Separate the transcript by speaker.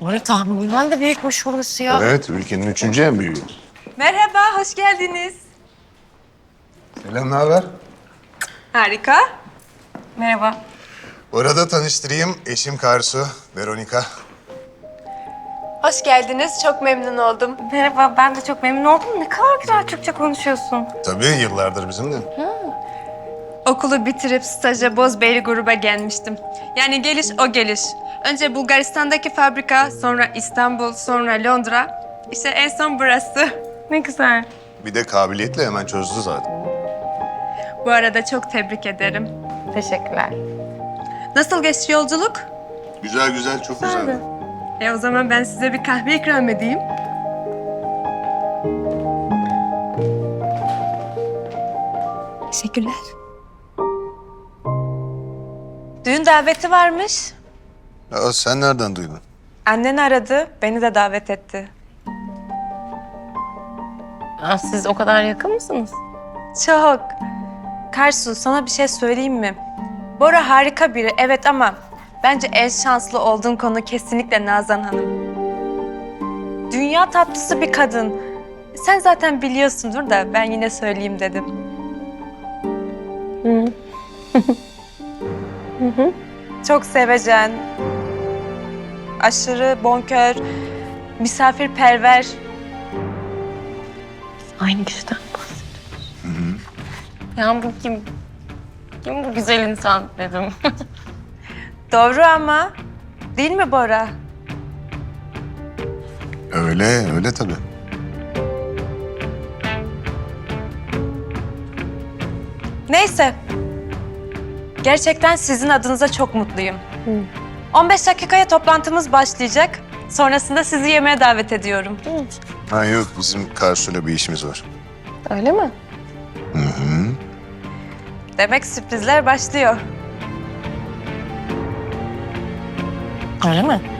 Speaker 1: Böyle tahminen de büyükmüş orası ya.
Speaker 2: Evet, ülkenin üçüncü en büyüğü.
Speaker 3: Merhaba, hoş geldiniz.
Speaker 2: Selam, ne haber?
Speaker 3: Harika. Merhaba.
Speaker 2: Bu arada tanıştırayım, eşim Karsu, Veronika.
Speaker 3: Hoş geldiniz, çok memnun oldum.
Speaker 1: Merhaba, ben de çok memnun oldum. Ne kadar güzel Türkçe konuşuyorsun.
Speaker 2: Tabii yıllardır bizimle.
Speaker 3: Okulu bitirip staja Bozbeyli gruba gelmiştim. Yani geliş o geliş. Önce Bulgaristan'daki fabrika, sonra İstanbul, sonra Londra. İşte en son burası.
Speaker 1: Ne güzel.
Speaker 2: Bir de kabiliyetle hemen çözdü zaten.
Speaker 3: Bu arada çok tebrik ederim.
Speaker 1: Teşekkürler.
Speaker 3: Nasıl geçti yolculuk?
Speaker 2: Güzel güzel, çok güzeldi.
Speaker 3: O zaman ben size bir kahve ikram edeyim. Teşekkürler. Düğün daveti varmış.
Speaker 2: Ya sen nereden duydun?
Speaker 3: Annen aradı, beni de davet etti.
Speaker 1: Aa, siz o kadar yakın mısınız?
Speaker 3: Çok. Karsu, sana bir şey söyleyeyim mi? Bora harika biri, evet ama bence en şanslı olduğun konu kesinlikle Nazan Hanım. Dünya tatlısı bir kadın. Sen zaten biliyorsundur da ben yine söyleyeyim dedim. Çok sevecen, aşırı bonkör, misafirperver.
Speaker 1: Aynı kişiden bahsediyoruz. Ya bu kim? Kim bu güzel insan dedim.
Speaker 3: Doğru ama değil mi Bora?
Speaker 2: Öyle, öyle tabii.
Speaker 3: Neyse. Gerçekten sizin adınıza çok mutluyum. 15 dakikaya toplantımız başlayacak. Sonrasında sizi yemeğe davet ediyorum.
Speaker 2: Ha yok, bizim Karsu'yla bir işimiz var.
Speaker 1: Öyle mi?
Speaker 3: Demek sürprizler başlıyor.
Speaker 1: Öyle mi?